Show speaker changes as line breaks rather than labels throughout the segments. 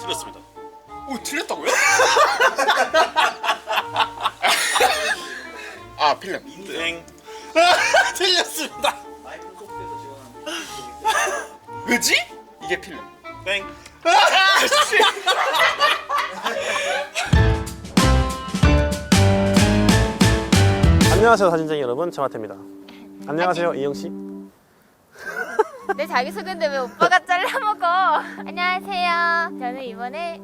틀렸습니다.
오, 틀렸다고요? 아, 필름.
땡. 틀렸습니다.
왜지? 이게 필름.
땡.
안녕하세요 사진쟁이 여러분, 정하태입니다. 안녕하세요 이영씨.
내 자기소개인데 왜 오빠가 잘라먹어? 안녕하세요. 저는 이번에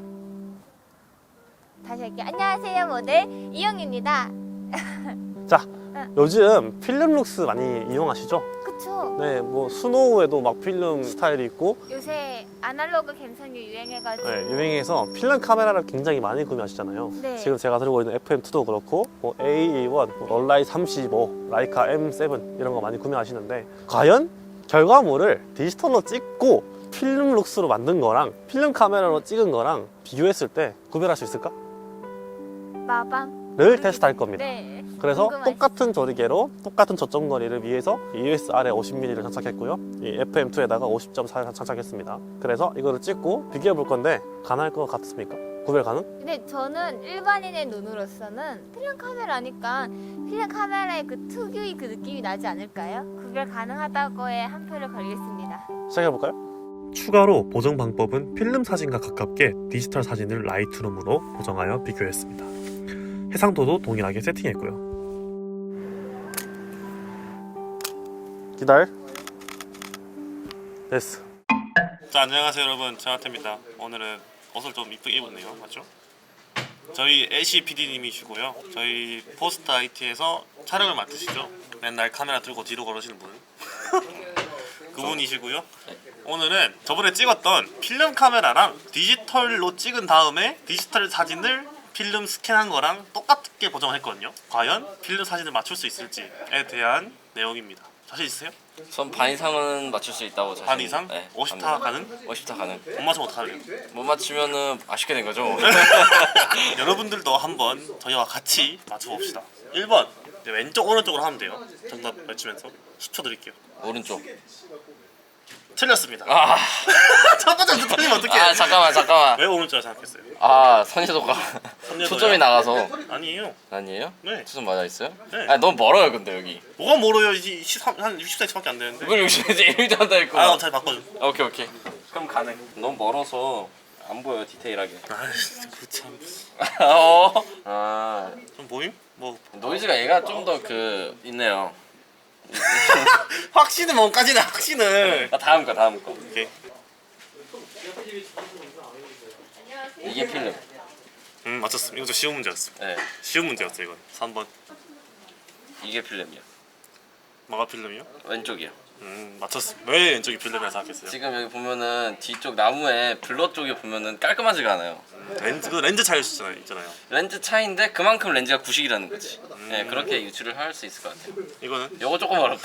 다시 할게요. 안녕하세요, 모델 이영입니다.
자, 요즘 필름 룩스 많이 이용하시죠?
그쵸?
네, 뭐 스노우에도 막 필름 스타일이 있고,
요새 아날로그 감성이 유행해가지고
네, 유행해서 필름 카메라를 굉장히 많이 구매하시잖아요.
네.
지금 제가 들고 있는 FM2도 그렇고, 뭐 A1, 뭐 얼라이 35, 라이카 M7 이런 거 많이 구매하시는데, 과연 결과물을 디지털로 찍고 필름 룩스로 만든 거랑 필름 카메라로 찍은 거랑 비교했을 때 구별할 수 있을까?
마방
를 테스트할 겁니다.
네.
그래서
궁금하시죠?
똑같은 조리개로 똑같은 저점 거리를 위해서 EOS R 50mm를 장착했고요. 이 FM2에다가 50.4를 장착했습니다. 그래서 이거를 찍고 비교해 볼 건데 가능할 것 같습니까? 구별 가능?
근데 저는 일반인의 눈으로서는 필름 카메라니까 필름 카메라의 그 특유의 그 느낌이 나지 않을까요? 구별 가능하다고에 한 표를 걸겠습니다.
시작해 볼까요? 추가로 보정 방법은 필름 사진과 가깝게 디지털 사진을 라이트룸으로 보정하여 비교했습니다. 해상도도 동일하게 세팅했고요. 기다려. 됐어.
자, 안녕하세요 여러분, 정하태입니다. 오늘은 옷을 좀 이쁘게 입었네요, 맞죠? 저희 애쉬 PD님이시고요. 저희 포스트 IT에서 촬영을 맡으시죠. 맨날 카메라 들고 뒤로 걸으시는 분. 그분이시고요. 오늘은 저번에 찍었던 필름 카메라랑 디지털로 찍은 다음에 디지털 사진을 필름 스캔한 거랑 똑같게 보정을 했거든요. 과연 필름 사진을 맞출 수 있을지에 대한 내용입니다. 자신 있으세요?
전 반 이상은 맞출 수 있다고 자신.
반 이상?
네,
50타 가능?
50타 가능.
못 맞추면 어떡하래요?
못 맞추면은 아쉽게 된 거죠.
여러분들도 한번 저희와 같이 맞춰봅시다. 1번 왼쪽 오른쪽으로 하면 돼요. 정답 외치면서 10초 드릴게요.
오른쪽.
틀렸습니다.
아,
첫 번째부터 틀리면 어떡해?
아 잠깐만.
왜 오른쪽이라 생각했어요?
아 선여도가
선여도요?
초점이 나가서.
아니에요.
아니에요?
네.
초점 맞아 있어요?
네.
아 너무 멀어요 근데 여기.
뭐가 멀어요? 이제 13, 한 60cm밖에 안 되는데.
이걸 여기 이제 1도 한다 했고.
아, 잘 바꿔줘.
오케이. 그럼 가능. 너무 멀어서 안 보여 디테일하게.
아이씨, 그참. 좀 보임? 뭐
노이즈가 얘가 좀 더 그 있네요.
확신은 뭔까지는 확신을.
아, 다음 거.
오케이.
이게 필름.
맞췄습니다. 이거 좀 쉬운 문제였어.
네.
쉬운 문제였어 이건. 3번.
이게 필름이요.
뭐가 필름이요?
왼쪽이요.
맞췄습니다. 왜 왼쪽이 필름이라 생각했어요?
지금 여기 보면은 뒤쪽 나무에 블러 쪽에 보면은 깔끔하지가 않아요.
렌즈 차이 있잖아요.
렌즈 차이인데 그만큼 렌즈가 구식이라는 거지. 네, 그렇게 유출을 할 수 있을 것 같아요.
이거는
요거 조금 어렵다.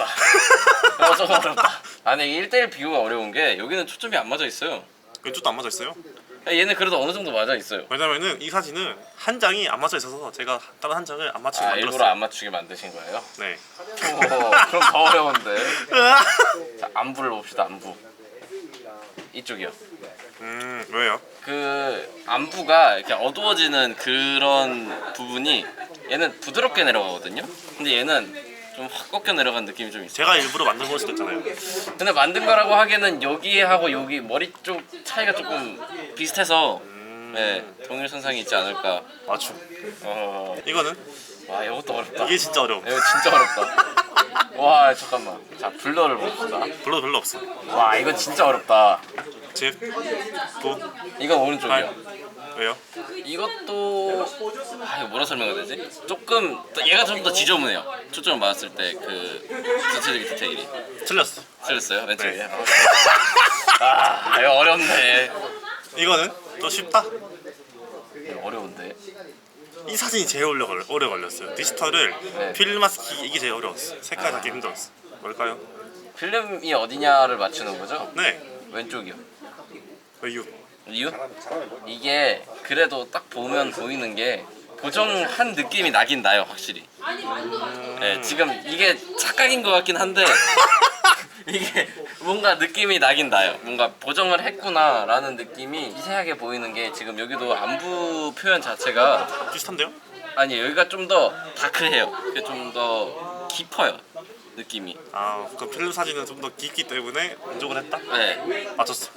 아니 이게 1대1 비교가 어려운 게 여기는 초점이 안 맞아 있어요.
왼쪽도 안 맞아 있어요.
얘는 그래도 어느 정도 맞아 있어요.
왜냐면은 이 사진은 한 장이 안 맞아 있어서 제가 다른 한 장을 안 맞추게
아
만들었어요.
일부러 안 맞추게 만드신 거예요?
네.
오, 그럼 더 어려운데. 자, 안부를 봅시다. 안부. 이쪽이요.
왜요?
그 안부가 이렇게 어두워지는 그런 부분이 얘는 부드럽게 내려가거든요. 근데 얘는 좀 확 꺾여 내려간 느낌이 좀 있어요.
제가 일부러 만든 걸 수도 있잖아요.
근데 만든 거라고 하기에는 여기하고 여기 머리 쪽 차이가 조금 비슷해서 네, 동일선상이 있지 않을까.
맞춤.
어,
이거는
와 이것도 어렵다.
이게 진짜 어려워.
이거 진짜 어렵다. 와 잠깐만. 자 블러를 봅시다.
별로 없어.
와 이건 진짜 어렵다.
집, 도,
이건 오른쪽이야.
팔. 왜요?
이것도 이거 뭐라 설명해야 되지? 조금 얘가 좀 더 지저분해요. 초점을 맞았을 때 그 전체적인 디테일이.
틀렸어.
틀렸어요? 왼쪽이에요?
네.
아 이거 어렵네.
이거는 또 쉽다.
이거 어려운데.
이 사진이 제일 오래 걸렸어요. 디지털을
네.
필름화시키기 이게 제일 어려웠어. 색깔 잡기 힘들었어. 뭘까요?
필름이 어디냐를 맞추는 거죠?
네.
왼쪽이요.
왜요?
이유? 이게 그래도 딱 보면 보이는 게 보정한 느낌이 나긴 나요 확실히. 네, 지금 이게 착각인 것 같긴 한데 이게 뭔가 느낌이 나긴 나요. 뭔가 보정을 했구나라는 느낌이 미세하게 보이는 게 지금 여기도 안부 표현 자체가
비슷한데요?
아니 여기가 좀 더 다크해요. 이게 좀 더 깊어요 느낌이.
아, 그 필름 사진은 좀 더 깊기 때문에 만족을 했다?
네.
맞췄어.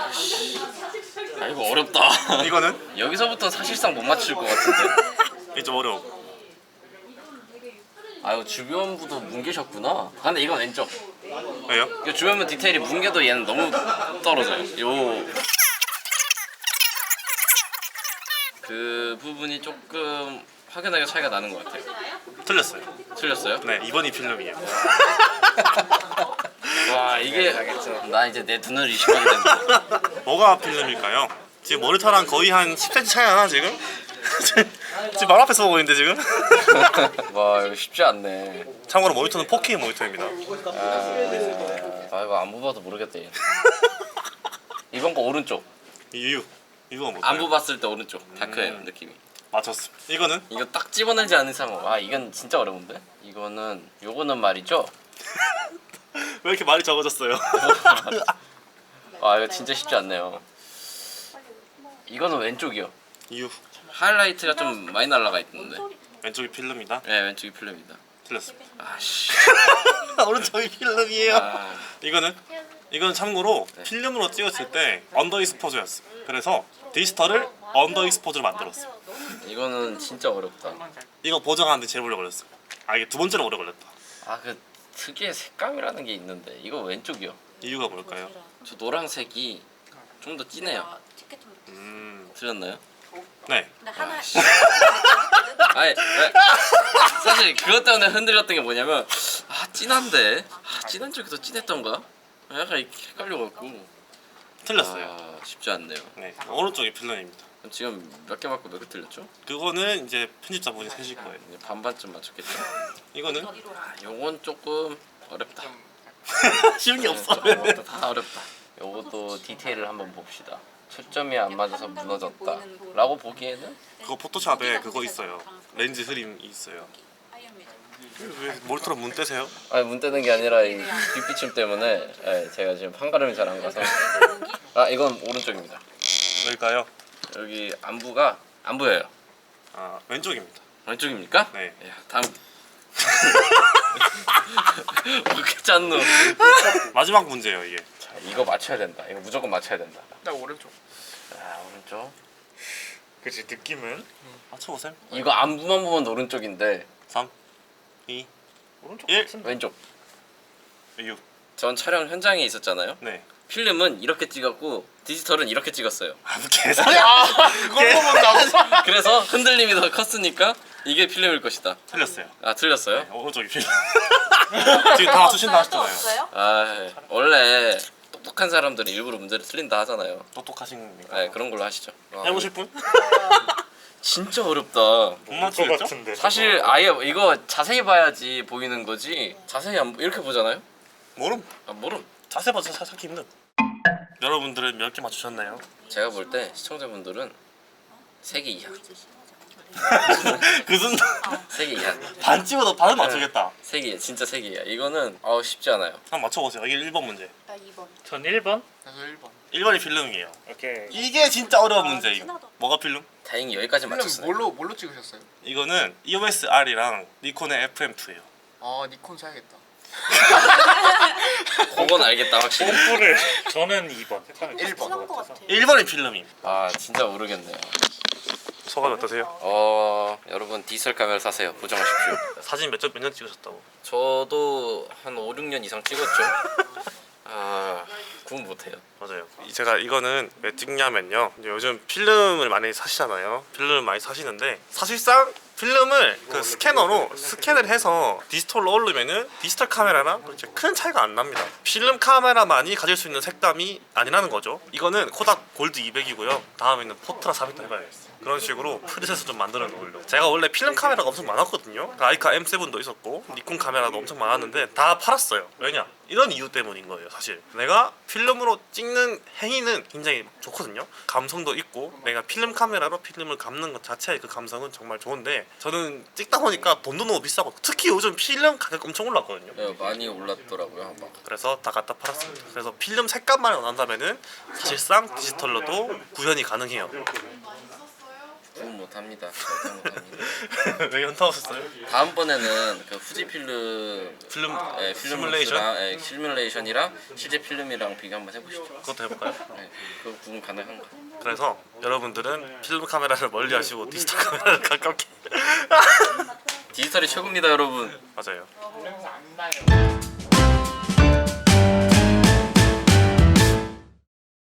아 이거 어렵다.
이거는?
여기서부터 사실상 못 맞출 것 같은데.
이게 좀 어려워.
아 이거 주변부도 뭉개셨구나. 아, 근데 이건 왼쪽.
왜요?
이거 주변부 디테일이 뭉개도 얘는 너무 떨어져요. 그 부분이 조금 확연하게 차이가 나는 것 같아요.
틀렸어요.
틀렸어요?
네, 2번이 필름이에요.
와 이게 나 이제 내 눈을 의식하게 된다.
뭐가 필름일까요? 지금 모니터랑 거의 한 10cm 차이 나나 지금? 지금 바로 앞에서 보고 있는데 지금?
와 이거 쉽지 않네.
참고로 모니터는 4K 모니터입니다.
아 이거 안부 봐도 모르겠다 얘. 이번 거 오른쪽.
이유가 뭘까요?
안부 봤을 때 오른쪽. 다크해요 느낌이.
맞췄습니다. 이거는?
이거 딱 집어내지 않은 이상 와 이건 진짜 어려운데? 요거는 말이죠.
왜 이렇게 말이 적어졌어요?
와 이거 진짜 쉽지 않네요. 이거는 왼쪽이요.
이유.
하이라이트가 좀 많이 날라가 있는데.
왼쪽이 필름이다?
네 왼쪽이 필름이다.
틀렸습니다.
아씨.
오른쪽이 필름이에요.
아,
이거는 참고로 필름으로 찍었을 때 언더 익스포저였어. 그래서 디지털을 언더 익스포저로 만들었어.
이거는 진짜 어렵다.
이거 보정하는데 제일 오래 걸렸어. 아, 이게 두 번째로 오래 걸렸다.
아 그 특유의 색감이라는 게 있는데 이거 왼쪽이요.
이유가 뭘까요?
저 노란색이 좀 더 진해요. 틀렸나요?
네.
아니 사실 그것 때문에 흔들렸던 게 뭐냐면 아 진한데 진한 쪽이 더 진했던가? 약간 이렇게 헷갈려갖고
틀렸어요.
아 쉽지 않네요.
네. 오른쪽이 필름입니다.
그럼 지금 몇 개 맞고 몇 개 틀렸죠?
그거는 이제 편집자분이 세실 거예요.
이제 반반쯤 맞췄겠죠?
이거는
요건 조금 어렵다.
쉬운 게 없어.
요것도 다 어렵다. 요것도 디테일을 한번 봅시다. 초점이 안 맞아서 무너졌다 라고 보기에는
그거 포토샵에 그거 있어요. 렌즈 흐림이 있어요. 왜 모니터로 문 떼세요?
아니 문 떼는 게 아니라 이 빛비침 때문에 제가 지금 판가름이 잘 안 가서 아 이건 오른쪽입니다.
왜일까요?
여기 안부가 안 보여요.
아, 왼쪽입니다.
왼쪽입니까?
네.
야, 다음 어떻게 짰노?
마지막 문제예요, 이게.
자 이거 맞춰야 된다. 이거 무조건 맞춰야 된다.
나 오른쪽.
자 오른쪽.
그치 느낌은
맞춰보세요.
이거 안부만 보면 오른쪽인데
3, 2,
오른쪽
1.
같은데.
왼쪽.
이유.
전 촬영 현장에 있었잖아요.
네.
필름은 이렇게 찍었고 디지털은 이렇게 찍었어요.
아, 뭐 개소리야.
그걸 보면
그래서 흔들림이 더 컸으니까 이게 필름일 것이다.
틀렸어요.
아 틀렸어요?
오른쪽이 필름. 지금 다 맞추신다 하셨잖아요.
아 원래 똑똑한 사람들은 일부러 문제를 틀린다 하잖아요.
똑똑하신 겁니까?
네 그런 걸로 하시죠. 와,
해보실 분?
진짜 어렵다.
못 맞추겠죠?
같은데.
사실 아예 이거 자세히 봐야지 보이는 거지. 자세히 안 이렇게 보잖아요.
모름.
아 모름.
자세 봐서 찾기 힘든. 여러분들은 몇 개 맞추셨나요?
제가 볼 때 시청자분들은 3개 이하.
그 순간
3개 이하.
반 찍어도 반은 맞추겠다.
3개 이하. 진짜 3개 이하. 이거는 쉽지 않아요.
한번 맞춰보세요. 이게 1번 문제.
나 2번.
전 1번.
나도 1번.
1번이 필름이에요.
오케이.
이게 진짜 어려운 문제예요. 뭐가 필름?
다행히 여기까지
필름
맞췄어요.
뭘로 찍으셨어요?
이거는 EOS R이랑 니콘의 FM2예요.
아 니콘 사야겠다.
그건 알겠다 확실히.
뽀뽀를 저는 2번.
1번.
1번이 필름입니다.
아 진짜 모르겠네요.
소감이 어떠세요?
여러분 디지털 카메라 사세요. 보정하십시오.
사진 몇 년 찍으셨다고?
저도 한 5, 6년 이상 찍었죠. 구분 못해요.
맞아요. 제가 이거는 왜 찍냐면요. 이제 요즘 필름을 많이 사시잖아요. 필름을 많이 사시는데 사실상 필름을 그 스캐너로 스캔을 해서 디지털로 올리면은 디지털 카메라랑 그렇게 큰 차이가 안 납니다. 필름 카메라만이 가질 수 있는 색감이 아니라는 거죠. 이거는 코닥 골드 200이고요. 다음에는 포트라 400도 해봐야겠어요. 그런 식으로 프리셋을 좀 만들어 놓으려고. 제가 원래 필름 카메라가 엄청 많았거든요. 라이카 M7도 있었고 니콘 카메라도 엄청 많았는데 다 팔았어요. 왜냐? 이런 이유 때문인 거예요. 사실 내가 필름으로 찍는 행위는 굉장히 좋거든요. 감성도 있고 내가 필름 카메라로 필름을 감는 것 자체의 그 감성은 정말 좋은데 저는 찍다 보니까 돈도 너무 비싸고 특히 요즘 필름 가격 엄청 올랐거든요.
네, 많이 올랐더라고요. 막.
그래서 다 갖다 팔았습니다. 그래서 필름 색감만 원한다면은 사실상 디지털로도 구현이 가능해요.
구분 못합니다. 절대 못합니다.
왜 현타 오셨어요?
다음번에는 그 후지 필름
필름
필름
시뮬레이션?
룩스랑, 시뮬레이션이랑 실제 필름이랑 비교 한번 해보시죠.
그것도 해볼까요?
네, 그 구분 가능한가?
그래서 여러분들은 필름 카메라를 멀리 하시고 디지털 카메라를 가깝게
디지털이 최고입니다, 여러분.
맞아요.
냄새 안 나요.